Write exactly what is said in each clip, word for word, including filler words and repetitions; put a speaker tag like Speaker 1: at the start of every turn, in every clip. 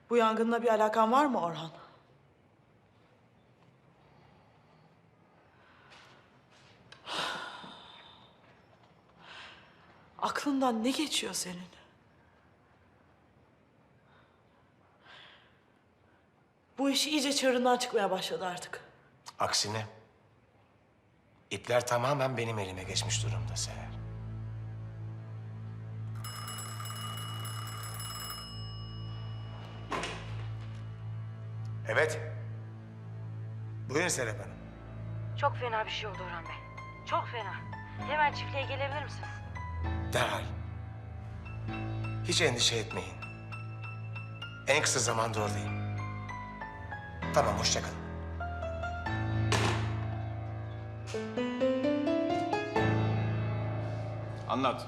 Speaker 1: Bu yangınla bir alakan var mı Orhan? Aklından ne geçiyor senin? Bu iş iyice çığırından çıkmaya başladı artık.
Speaker 2: Aksine ipler tamamen benim elime geçmiş durumda Seher. Evet. Buyurun Serap Hanım.
Speaker 3: Çok fena bir şey oldu Orhan Bey. Çok fena. Hemen çiftliğe gelebilir misiniz?
Speaker 2: Derhal. Hiç endişe etmeyin. En kısa zamanda oradayım. Tamam, hoşça kalın.
Speaker 4: Anlat.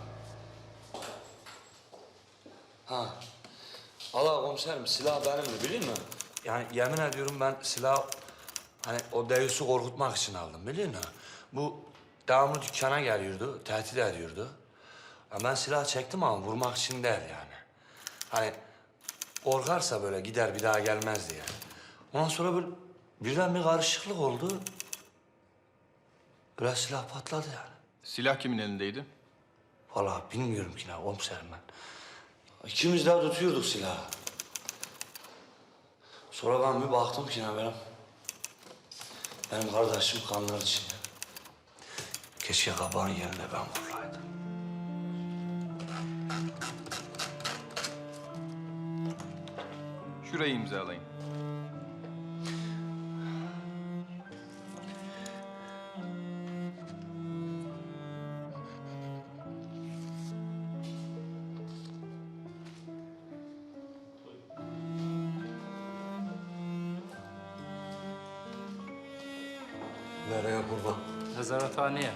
Speaker 5: Ha. Allah komiserim silah benimdi biliyor musun? Yani yemin ediyorum ben silah hani o Deyus'u korkutmak için aldım biliyor musun? Bu devamlı dükkana geliyordu, tehdit ediyordu. Ya ben silah çektim ama vurmak için değil yani. Hani korkarsa böyle gider bir daha gelmez diye. Ondan sonra böyle birden bir karışıklık oldu. Böyle silah patladı yani.
Speaker 4: Silah kimin elindeydi?
Speaker 5: Vallahi bilmiyorum ki ne komiserim ben. İkimiz de tutuyorduk silahı. Sonra ben bir baktım ki ne benim... Benim kardeşim kanlar içinde. Keşke kabağın yerine ben vursaydım.
Speaker 4: Şurayı imzalayın.
Speaker 5: Nereye kurban?
Speaker 6: Nezarethaneye.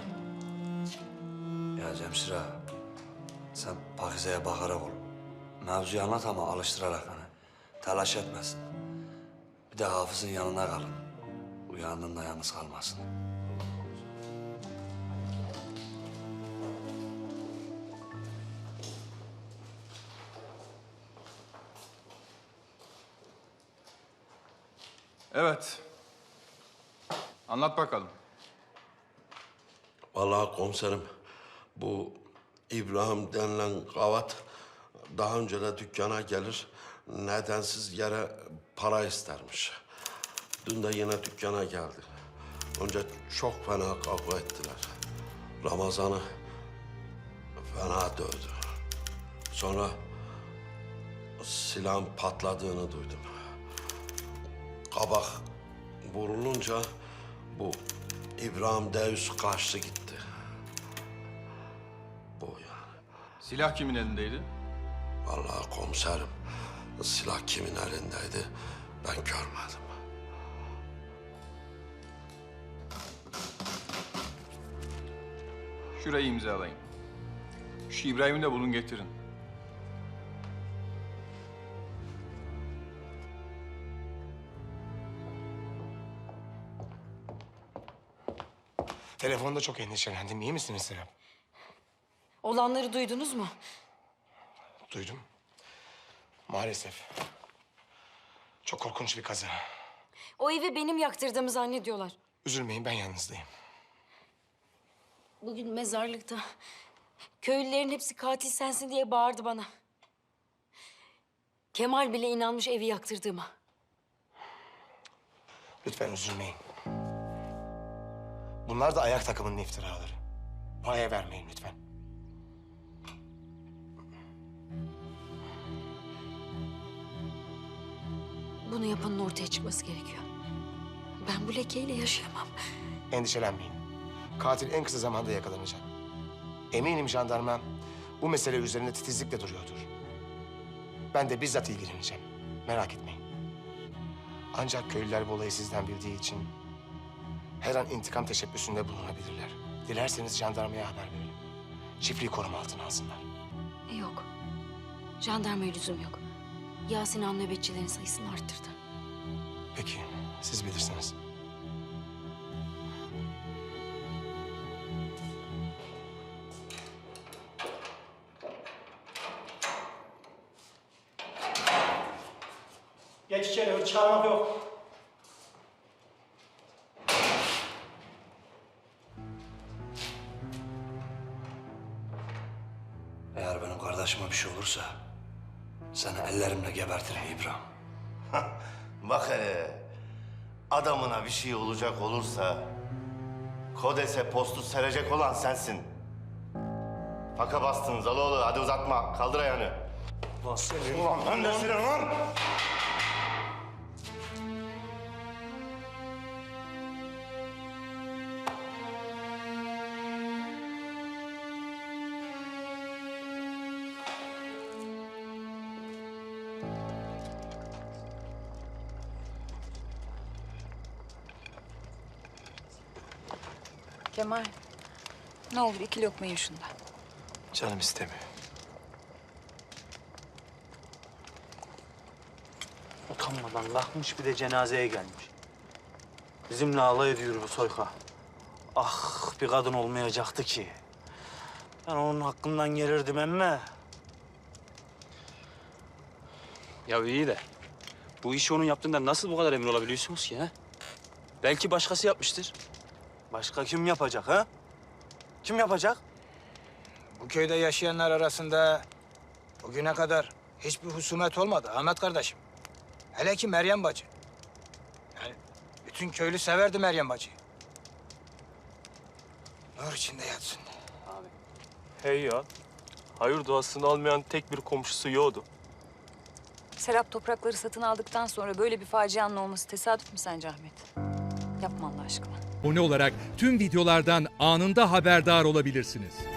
Speaker 5: Ya Cemşir ağa, sen Pakize'ye bakarak ol. Mevzuyu anlat ama alıştırarak hani. Telaş etmesin. Bir de Hafız'ın yanına kalın. Uyandığında yalnız kalmasın.
Speaker 4: Evet. Anlat bakalım.
Speaker 7: Vallahi komiserim, bu İbrahim denilen gavat daha önce de dükkana gelir, nedensiz yere para istermiş. Dün de yine dükkana geldi. Önce çok fena kavga ettiler. Ramazan'ı fena dövdü. Sonra silahın patladığını duydum. Kabak vurulunca bu İbrahim Deus kaçtı gitti. Bu yani.
Speaker 4: Silah kimin elindeydi?
Speaker 7: Vallahi komiserim, silah kimin elindeydi ben görmedim.
Speaker 4: Şurayı imzalayın. Şu İbrahim'i de bulun getirin.
Speaker 2: Telefonda çok endişelendim. İyi misiniz Serap?
Speaker 3: Olanları duydunuz mu?
Speaker 2: Duydum. Maalesef. Çok korkunç bir kaza.
Speaker 3: O evi benim yaktırdığımı zannediyorlar.
Speaker 2: Üzülmeyin, ben yanınızdayım.
Speaker 3: Bugün mezarlıkta köylülerin hepsi katil sensin diye bağırdı bana. Kemal bile inanmış evi yaktırdığıma.
Speaker 2: Lütfen üzülmeyin. Bunlar da ayak takımının iftiraları. Paya vermeyin lütfen.
Speaker 3: Bunu yapanın ortaya çıkması gerekiyor. Ben bu lekeyle yaşayamam.
Speaker 2: Endişelenmeyin. Katil en kısa zamanda yakalanacak. Eminim jandarma bu mesele üzerinde titizlikle duruyordur. Ben de bizzat ilgileneceğim. Merak etmeyin. Ancak köylüler bu olayı sizden bildiği için her an intikam teşebbüsünde bulunabilirler. Dilerseniz jandarmaya haber verelim. Çiftliği koruma altına alsınlar.
Speaker 3: Yok. Jandarmaya lüzum yok. Yasin Han nöbetçilerin sayısını arttırdı.
Speaker 2: Peki, siz bilirsiniz.
Speaker 6: Geç içeri, hiç çağırmak yok.
Speaker 5: Eğer benim kardeşime bir şey olursa seni ellerimle gebertirim İbrahim.
Speaker 8: Bak hele, adamına bir şey olacak olursa Kodes'e postu serecek olan sensin. Faka bastın Zaloğlu, hadi uzatma, kaldır ayağını.
Speaker 6: Ulan seni.
Speaker 8: Ulan ben de seni lan!
Speaker 9: Kemal, ne olur iki lokma ye şundan.
Speaker 2: Canım istemiyor.
Speaker 6: Utanmadan kalkmış bir de cenazeye gelmiş. Bizimle alay ediyor bu soyka. Ah bir kadın olmayacaktı ki. Ben onun hakkından gelirdim emme.
Speaker 10: Ya iyi de bu işi onun yaptığından nasıl bu kadar emin olabiliyorsunuz ki ha? Belki başkası yapmıştır.
Speaker 6: Başka kim yapacak ha? Kim yapacak?
Speaker 11: Bu köyde yaşayanlar arasında bugüne kadar hiçbir husumet olmadı Ahmet kardeşim. Hele ki Meryem bacı. Yani bütün köylü severdi Meryem bacıyı. Nur içinde yatsın.
Speaker 12: Hey ya, hayır duasını almayan tek bir komşusu yoktu.
Speaker 9: Serap toprakları satın aldıktan sonra böyle bir facianın olması tesadüf mü sence Ahmet? Yapma Allah aşkına.
Speaker 13: Abone olarak tüm videolardan anında haberdar olabilirsiniz.